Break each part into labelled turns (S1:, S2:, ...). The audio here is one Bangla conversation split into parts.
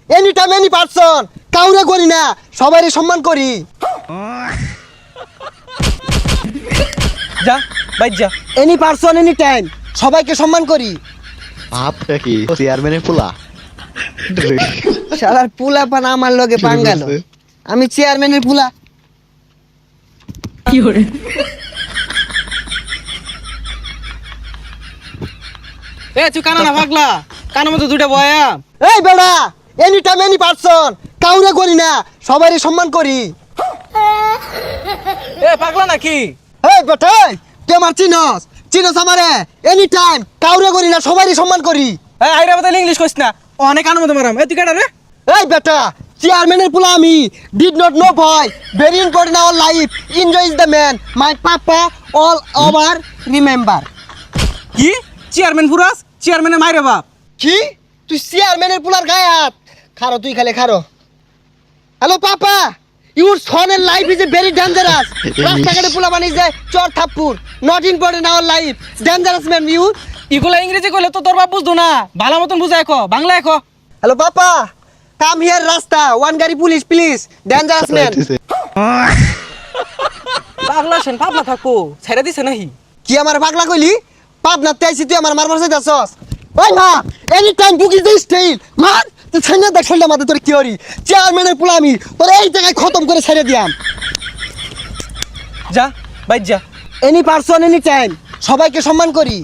S1: এনি টাইম এনি পারসন, কাউরে করি না, সবারই সম্মান করি।
S2: যা বাইর যা।
S1: এনি পারসন এনি টাইম, সবাইকে সম্মান করি।
S3: আপটা কি চেয়ারম্যানের পোলা?
S1: শালার পুলা পান আমার লগে পাঙ্গালো, আমি চেয়ারম্যানের পুলা।
S2: এ তুই কানা না পাগলা, কানের মতো দুইটা বয়া।
S1: এই বেড়া, এনি টাইম এনি পারসন, কাউরে করি না, সবারই সম্মান করি।
S2: এ পাগলা নাকি?
S1: এই বেটা, তুই আমার চিনস, চিনস আমারে? এনি টাইম কাউরে করি না, সবারই সম্মান করি।
S2: এ আইরা বদলে ইংলিশ কইছ না, অনেক কানের মতো মারাম। এ তুই কাটা রে?
S1: এই বেটা, চেয়ারম্যানের পুলা আমি, ডিড নট নো ভয়, very important hour life, enjoy is the man, my papa all over remember.
S2: কি চেয়ারম্যান পুরাস? চেয়ারম্যানের মাইরে বাপ।
S1: কি তুই চেয়ারম্যানের পুলার গায়ে হাত? খারো তুই, খালে খারো। হ্যালো পাপা, ইউর সনের life is a very dangerous. রাস্তাঘাটে পুলা বানিয়ে যায় চর থাপ্পুর, not important hour life, dangerous man you.
S2: ইগুলা ইংরেজি কইলে তো তোর বাপ বুঝতো না, ভালো মতন বুঝাই কো, বাংলা কো।
S1: হ্যালো পাপা, কাম হিয়ার রাস্তা, ওয়ান গাড়ি পুলিশ প্লিজ, ডেঞ্জারাস ম্যান।
S2: পাগলা সেন পাগলা থাকো, ছেড়ে দিছে নাহি?
S1: কি আমার পাগলা কইলি? পাবনা তেইছি তুই আমার মারমার চাইতাছস? ওই মা, any time booking this style মার, তুই ছাইনা দেখ ছাইনা মাথা তোর কি হরি? চেয়ারম্যানের পুলা আমি, তোর এই জায়গায় খতম করে ছেড়ে দিয়াম।
S2: যা বাইর যা।
S1: এনি পারসন এনি টাইম, সবাইকে সম্মান করি।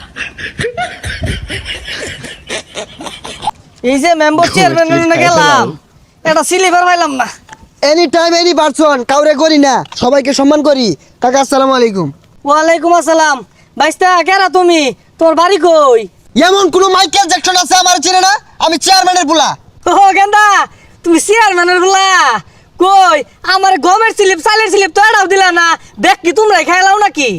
S4: এই যে মেম্বার চেয়ারম্যানের গেলাম, এটা সিলিভার পাইলাম না।
S1: এনি টাইম এনি পারসন, কাউরে করি না, সবাইকে সম্মান করি। কাকা আসসালামু আলাইকুম।
S4: ওয়ালাইকুম আসসালাম। বাইস্তা কেরা তুমি? তোর বাড়ি কই?
S1: এমন কোন মাইকেল জ্যাকসন আছে আমার চিনে না? আমি চেয়ারম্যানের পুলা।
S4: ও গেন্দা, তুমি চেয়ারম্যানের গুলা কই? আমার গমের স্লিপ চালের স্লিপ তো এটাও দিলা না, দেখ কি তোমরাই খাইলাও নাকি?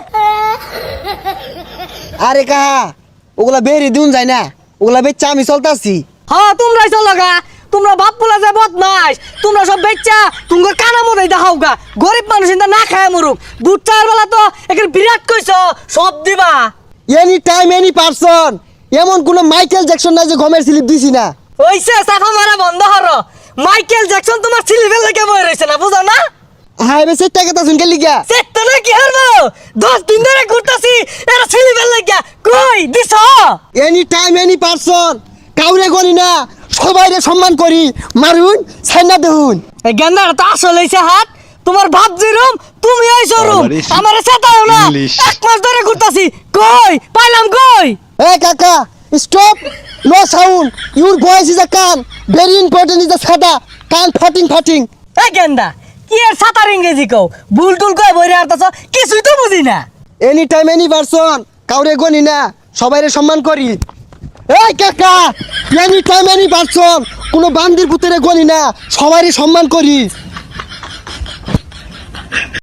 S1: আরে কাহা, ওগুলা বেরি দিন যায় না, ওগুলা বেচা আমি চলতাছি।
S4: হ্যাঁ তোমরাই চলো গা, তোমরা বাপ পোলা যে বদমাইশ, তোমরা সব বেচ্চা তোমার কানা মতো দেখাও গা। গরিব মানুষ ইন্দা না খায় মরুক, বুট চার বেলা তো এখানে বিরাট কইছ সব দিবা।
S1: এনি টাইম এনি পারসন, এমন কোন মাইকেল জ্যাকসন নাই যে গমের স্লিপ দিছি না।
S4: ওইসে সাফা মারা বন্ধ হরো। মাইকেল জ্যাকসন তোমার সিলিভেল লেগে বই রয়েছে না, বুঝো না?
S1: হাই বে সেটা কথা শুনকে লিগা।
S4: সেটা না কি হারবো? 10 দিন ধরে ঘুরতাছি, এরা সিলিভেল লেগে কই দিছ?
S1: এনি টাইম এনি পারসন, কাউরে করি না, সবাইরে সম্মান করি। মারুন ছাইনা দেহুন।
S4: এই গেন্দাটা তো আসল হইছে হাত। তোমার বাপ যেরম তুমি ওই শোরুম,
S3: আমারে
S4: আমারে সেটাও না।
S3: ইংলিশ।
S4: 1 মাস ধরে ঘুরতাছি, কই পাইলাম কই?
S1: এই কাকা, stop, no sound, your voice is a কান, ভেরি ইম্পর্টেন্ট ইজ আ সাদা, কান ফাটিং ফাটিং।
S4: এই গেন্দা কি এর সাতার ইংরেজি কও? ভুল টুল কই বইরে আরতাছ, কিছুই তো বুঝি না।
S1: এনি টাইম এনি পারসন, কাউরে গনি না, সবাইরে সম্মান করি। এই কাকা, এনি টাইম এনি পারসন, কোনো বান্দির পুতরে গনি না, সবাইরে সম্মান করি।